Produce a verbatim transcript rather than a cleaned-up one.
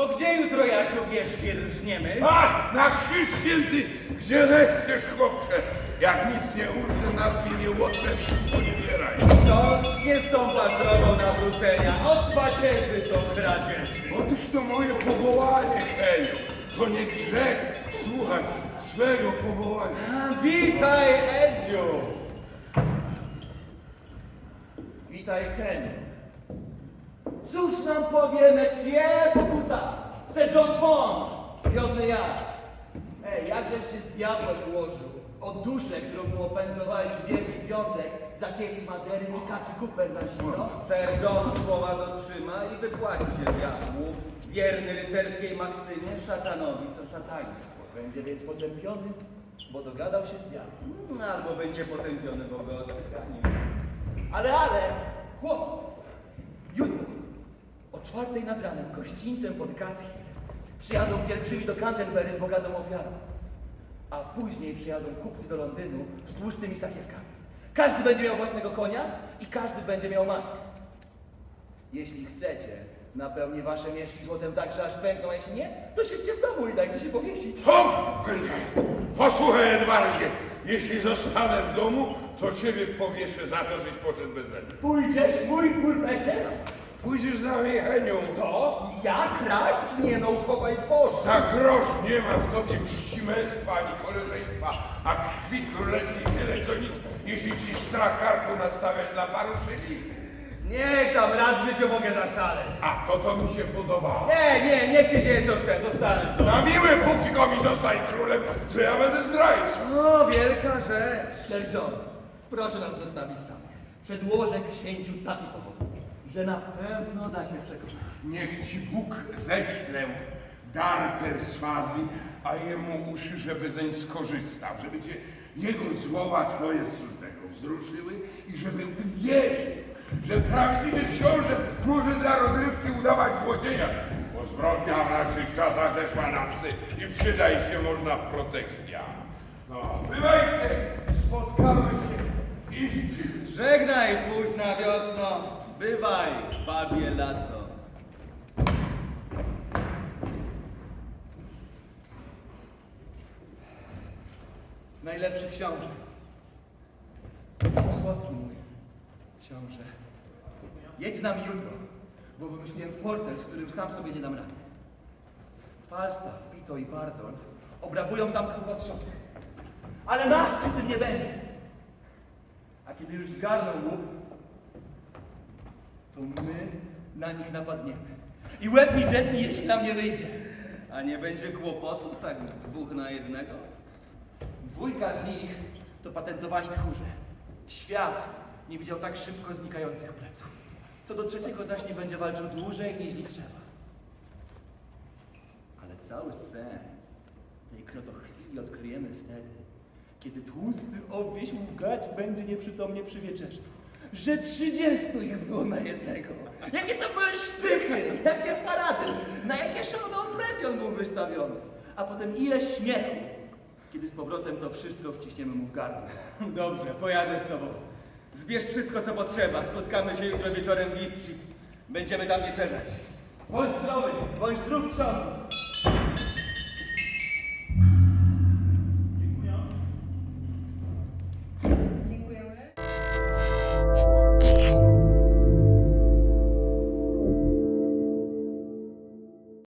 To gdzie jutro, Jasiu, bierzki rżniemy? A, na krzyż święty, gdzie zechcesz, chłopcze. Jak nic nie urże, nazwie nie łotrze i sponiewieraj. Stąd nie stąpa drogą nawrócenia, od pacierzy do kradzieży. Otóż to moje powołanie, Heniu. To nie grzech słuchać swego powołania. A, witaj, Edziu. Witaj, Heniu. Cóż nam powie Messie Pokuta, se John Pond, wiodny ja. Ej, jakżeś się z diabłem ułożył? O duszę, którą mu opędzowałeś w Wielki Piątek za kielich Madery i kaczy kuper na zimno? Sir John słowa dotrzyma i wypłaci się diabłu, wierny rycerskiej maksymie, szatanowi co szataństwo. Będzie więc potępiony, bo dogadał się z diabłem. Mm, Albo będzie potępiony, bo go odczekani. Ale, ale, chłopcy, jutro o czwartej nad ranem gościńcem pod Kackiem przyjadą pielgrzymi do Canterbury z bogatą ofiarą, a później przyjadą kupcy do Londynu z tłustymi sakiewkami. Każdy będzie miał własnego konia i każdy będzie miał maskę. Jeśli chcecie, napełnię wasze mieszki złotem tak, że aż pękną, a jeśli nie, to siedźcie w domu i dajcie się powiesić. Hop! Posłuchaj, Edwardzie, jeśli zostanę w domu, to ciebie powieszę za to, żeś poszedł beze mnie. Pójdziesz, mój pulpecie? Pójdziesz za mnie, Heniu. To? Ja kraść? Nie no, uchowaj Boże. Za grosz nie ma w tobie czci męstwa ani koleżeństwa, a krwi królewskiej tyle co nic, jeśli ci strach karku nastawiać dla paru szyli. Niech tam raz w życiu mogę zaszaleć. A to to mi się podobało. Nie, nie, niech się dzieje co chce, zostanę w domu. Na miłe póki go mi zostań królem, to ja będę zdrajcą. O, wielka rzecz. Sir John, proszę nas zostawić samych. Przedłożę księciu taki powód, że na pewno da się przekonać. Niech ci Bóg ześlę dar perswazji, a jemu uszy, żeby zeń skorzystał, żeby cię jego słowa twoje z tego wzruszyły i żeby uwierzył, że prawdziwy książę może dla rozrywki udawać złodzieja, bo zbrodnia w naszych czasach zeszła na psy i przydaj się można protekcja. No, bywajcie, spotkamy się w Istrzyk. Żegnaj, późna wiosno. Bywaj, babie lato. Najlepszy książę. Słodki mój książę. Jedź z nami jutro, bo wymyśliłem fortel, z którym sam sobie nie dam rady. Falstaff, Pito i Bardolf obrabują tamtych upatrzonych. Ale nas przy tym nie będzie. A kiedy już zgarną łup, to my na nich napadniemy. I łeb mi zetnie, jeśli nam nie wyjdzie. A nie będzie kłopotu, tak dwóch na jednego? Dwójka z nich to patentowani tchórze. Świat nie widział tak szybko znikających pleców. Co do trzeciego zaś nie będzie walczył dłużej, niż trzeba. Ale cały sens tej krotochwili odkryjemy wtedy, kiedy tłusty obwieś łgać będzie nieprzytomnie przy wieczerzy. Że trzydziestu ich było na jednego. Jakie to były sztychy, jakie parady, na jakie szalone opresje on był wystawiony. A potem ile śmiechu, kiedy z powrotem to wszystko wciśniemy mu w gardło. Dobrze, pojadę z tobą. Zbierz wszystko, co potrzeba. Spotkamy się jutro wieczorem w East Street. Będziemy tam wieczerzać. Bądź zdrowy, bądź zdrów, książę.